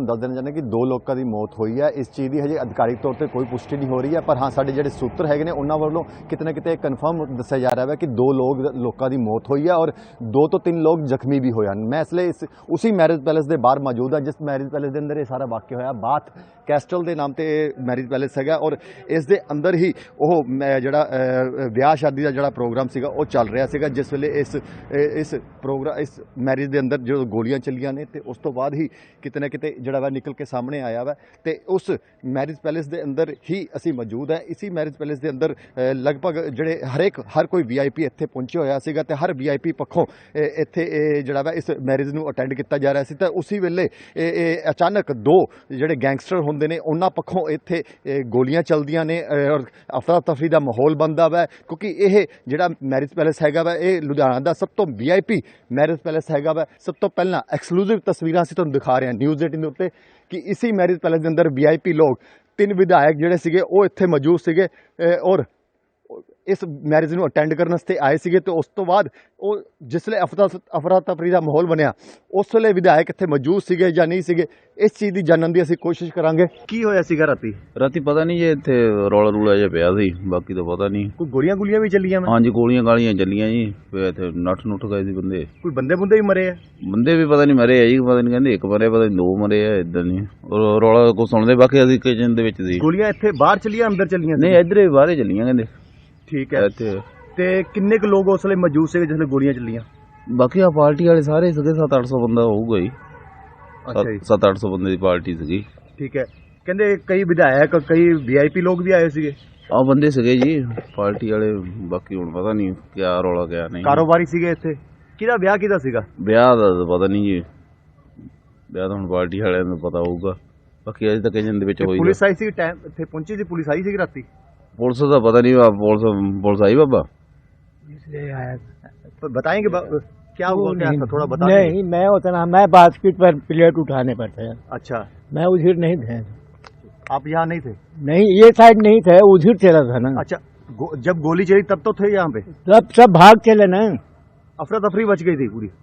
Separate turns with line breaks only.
ਤੁਹਾਨੂੰ ਦੱਸ ਦੇਣਾ ਚਾਹੁੰਦਾ ਕਿ 2 ਲੋਕਾਂ ਦੀ ਮੌਤ ਹੋਈ ਹੈ। ਇਸ ਚੀਜ਼ ਦੀ ਹਜੇ ਅਧਿਕਾਰਿਕ ਤੌਰ ਤੇ ਕੋਈ ਪੁਸ਼ਟੀ ਨਹੀਂ ਹੋ ਰਹੀ ਹੈ, ਪਰ ਹਾਂ ਸਾਡੇ ਜਿਹੜੇ ਸੂਤਰ ਹੈਗੇ ਨੇ ਉਹਨਾਂ ਵੱਲੋਂ ਕਿਤੇ ਨਾ ਕਿਤੇ ਕਨਫਰਮ ਦੱਸਿਆ ਜਾ ਰਿਹਾ ਹੈ ਕਿ 2 ਲੋਕਾਂ ਦੀ ਮੌਤ ਹੋਈ ਹੈ ਔਰ 2 ਤੋਂ 3 ਲੋਕ ਜ਼ਖਮੀ ਵੀ ਹੋਏ ਹਨ। ਮੈਂ ਇਸ ਲਈ ਉसी ਮੈਰਿਜ ਪੈਲੇਸ ਦੇ ਬਾਹਰ ਮੌਜੂਦ ਹਾਂ ਜਿਸ ਮੈਰਿਜ ਪੈਲੇਸ ਦੇ ਅੰਦਰ ਇਹ ਸਾਰਾ ਵਾਕਿਆ ਹੋਇਆ। ਬਾਥ ਕੈਸਟਲ ਦੇ ਨਾਮ ਤੇ ਮੈਰਿਜ ਪੈਲੇਸ ਹੈਗਾ ਔਰ ਇਸ ਦੇ ਅੰਦਰ ਹੀ ਉਹ ਜਿਹੜਾ ਵਿਆਹ ਸ਼ਾਦੀ ਦਾ ਜਿਹੜਾ ਪ੍ਰੋਗਰਾਮ ਸੀਗਾ ਉਹ ਚੱਲ ਰਿਹਾ ਸੀਗਾ, ਜਿਸ ਵੇਲੇ ਇਸ ਮੈਰਿਜ ਦੇ ਅੰਦਰ ਜੋ ਗੋਲੀਆਂ ਚੱਲੀਆਂ ਨੇ ਤੇ ਉਸ ਤੋਂ ਬਾਅਦ ਹੀ ਕਿਤੇ ਨਾ ਕਿਤੇ ਜਿਹੜਾ ਵਾ ਨਿਕਲ ਕੇ ਸਾਹਮਣੇ ਆਇਆ ਵਾ। ਤੇ ਉਸ ਮੈਰਿਜ ਪੈਲੇਸ ਦੇ ਅੰਦਰ ਹੀ ਅਸੀਂ ਮੌਜੂਦ ਹੈ। ਇसी ਮੈਰਿਜ ਪੈਲੇਸ ਦੇ ਅੰਦਰ ਲਗਭਗ ਜਿਹੜੇ ਹਰ ਕੋਈ VIP ਇੱਥੇ ਪਹੁੰਚਿਆ ਹੋਇਆ ਸੀਗਾ ਤੇ ਹਰ VIP ਪੱਖੋਂ ਇੱਥੇ ਜਿਹੜਾ ਵਾ ਇਸ ਮੈਰਿਜ ਨੂੰ ਅਟੈਂਡ ਕੀਤਾ ਜਾ ਰਿਹਾ ਸੀ। ਤਾਂ ਉਸੇ ਵੇਲੇ ਅਚਾਨਕ 2 ਜਿਹੜੇ ਗੈਂਗਸਟਰ ਹੁੰਦੇ ਨੇ ਉਹਨਾਂ ਪੱਖੋਂ ਇੱਥੇ ਗੋਲੀਆਂ ਚੱਲਦੀਆਂ ਨੇ ਔਰ ਅਫਰਾ ਤਫਰੀ ਦਾ ਮਾਹੌਲ ਬਣਦਾ ਵਾ, ਕਿਉਂਕਿ ਇਹ ਜਿਹੜਾ ਮੈਰਿਜ ਪੈਲੇਸ ਹੈਗਾ ਵਾ ਇਹ ਲੁਧਿਆਣਾ ਦਾ ਸਭ ਤੋਂ VIP ਮੈਰਿਜ ਪੈਲੇਸ ਹੈਗਾ ਵਾ। ਸਭ ਤੋਂ ਪਹਿਲਾਂ ਐਕਸਕਲੂਸਿਵ ਤਸਵੀਰਾਂ ਅਸੀਂ ਤੁਹਾਨੂੰ ਦਿਖਾ ਰਹੇ ਹਾਂ ਨਿਊਜ਼ 18 ਦੇ ਉੱਤੇ ਕਿ ਇसी ਮੈਰਿਜ ਪੈਲੇਸ ਦੇ ਅੰਦਰ VIP ਲੋਕ 3 ਵਿਧਾਇਕ ਜਿਹੜੇ ਸੀਗੇ ਉਹ ਇੱਥੇ ਮੌਜੂਦ ਸੀਗੇ ਔਰ ਇਸ ਮੈਰਿਜ ਨੂੰ ਅਟੈਂਡ ਕਰਨ ਵਾਸਤੇ ਆਏ ਸੀਗੇ। ਤੇ ਉਸ ਤੋਂ ਬਾਅਦ ਉਹ ਜਿਸਲੇ ਅਫਰਾ ਤਫਰੀ ਦਾ ਮਾਹੌਲ ਬਣਿਆ ਉਸ ਵੇਲੇ ਵਿਧਾਇਕ ਇੱਥੇ ਮੌਜੂਦ ਸੀਗੇ ਜਾਂ ਨਹੀਂ ਸੀਗੇ, ਇਸ ਚੀਜ਼ ਦੀ ਜਾਣਨ ਦੀ ਅਸੀਂ ਕੋਸ਼ਿਸ਼ ਕਰਾਂਗੇ। ਕੀ ਹੋਇਆ ਸੀਗਾ ਰਾਤੀ
ਪਤਾ ਨਹੀਂ ਜੇ ਇੱਥੇ ਰੌਲਾ ਰੂਲਾ ਜਿਹਾ ਪਿਆ ਸੀ, ਬਾਕੀ ਤਾਂ ਪਤਾ ਨਹੀਂ।
ਕੋਈ ਗੋਲੀਆਂ ਵੀ ਚੱਲੀਆਂ?
ਹਾਂਜੀ ਗੋਲੀਆਂ ਗਾਲੀਆਂ ਚੱਲੀਆਂ ਜੀ, ਫਿਰ ਇੱਥੇ ਨੱਠ ਗਏ ਸੀ ਬੰਦੇ।
ਕੋਈ ਬੰਦੇ ਵੀ ਮਰੇ ਆ?
ਬੰਦੇ ਵੀ ਪਤਾ ਨਹੀਂ ਮਰੇ ਆ ਜੀ, ਪਤਾ ਨਹੀਂ ਕਹਿੰਦੇ 1 ਮਰੇ, ਪਤਾ ਨਹੀਂ 2 ਮਰੇ ਆ, ਇਦਾਂ ਨਹੀਂ ਰੌਲਾ ਕੋ ਸੁਣਦੇ। ਬਾਕੀ ਅਸੀਂ ਕਿਚਨ ਦੇ ਵਿੱਚ ਸੀ।
ਗੋਲੀਆਂ ਇੱਥੇ ਬਾਹਰ ਚੱਲੀਆਂ ਅੰਦਰ ਚੱਲੀਆਂ?
ਨਹੀਂ ਇੱਧਰ ਹੀ ਬਾਹਰ ਚੱਲੀਆਂ ਕਹਿੰਦੇ।
ਠੀਕ ਹੈ। ਤੇ ਕਿੰਨੇ ਕੁ ਲੋਕ ਉਸ ਵੇਲੇ ਮੌਜੂਦ ਸੀਗੇ ਜਿਸ ਵੇਲੇ ਗੋਲੀਆਂ ਚੱਲੀਆਂ?
ਬਾਕੀ ਆ ਪਾਰਟੀ ਵਾਲੇ ਸਾਰੇ ਸੀਗੇ, 700-800 ਬੰਦਾ ਹੋਊਗਾ ਜੀ।
ਅੱਛਾ ਜੀ,
700-800 ਬੰਦੇ ਦੀ ਪਾਰਟੀ ਸੀਗੀ।
ਠੀਕ ਹੈ। ਕਹਿੰਦੇ ਕਈ ਵਿਧਾਇਕ ਕਈ VIP ਲੋਕ ਵੀ ਆਏ ਸੀਗੇ?
ਆ ਬੰਦੇ ਸੀਗੇ ਜੀ ਪਾਰਟੀ ਵਾਲੇ, ਬਾਕੀ ਹੁਣ ਪਤਾ ਨਹੀਂ ਕਿਆ ਰੌਲਾ ਕਿਆ ਨਹੀਂ।
ਕਾਰੋਬਾਰੀ ਸੀਗੇ ਇੱਥੇ? ਕਿਹਦਾ ਵਿਆਹ ਕਿਹਦਾ ਸੀਗਾ?
ਵਿਆਹ ਦਾ ਪਤਾ ਨਹੀਂ ਜੀ, ਵਿਆਹ ਤਾਂ ਹੁਣ ਪਾਰਟੀ ਵਾਲਿਆਂ ਨੂੰ ਪਤਾ ਹੋਊਗਾ। ਬਾਕੀ ਅਜੇ ਤੱਕ ਕਿਚਨ ਦੇ ਵਿੱਚ ਹੋਈ।
ਪੁਲਿਸ ਆਈ ਸੀ ਟਾਈਮ ਇੱਥੇ ਪਹੁੰਚੀ ਸੀ? ਪੁਲਿਸ ਆਈ ਸੀ ਰਾਤੀ?
पुलिस का पता नहीं, पुलिस आई बाबा
इसलिए आया।
तो बताएंगे क्या हुआ क्या था, थोड़ा बता।
नहीं मैं उतना, मैं बास्केट पर प्लेट उठाने पर था।
अच्छा,
मैं उधर नहीं थे।
आप यहाँ नहीं थे?
नहीं ये साइड नहीं थे, उधर चला था ना।
अच्छा, जब गोली चली तब तो थे यहाँ पे?
सब भाग चले ना।
अफरा तफरी बच गई थी पूरी?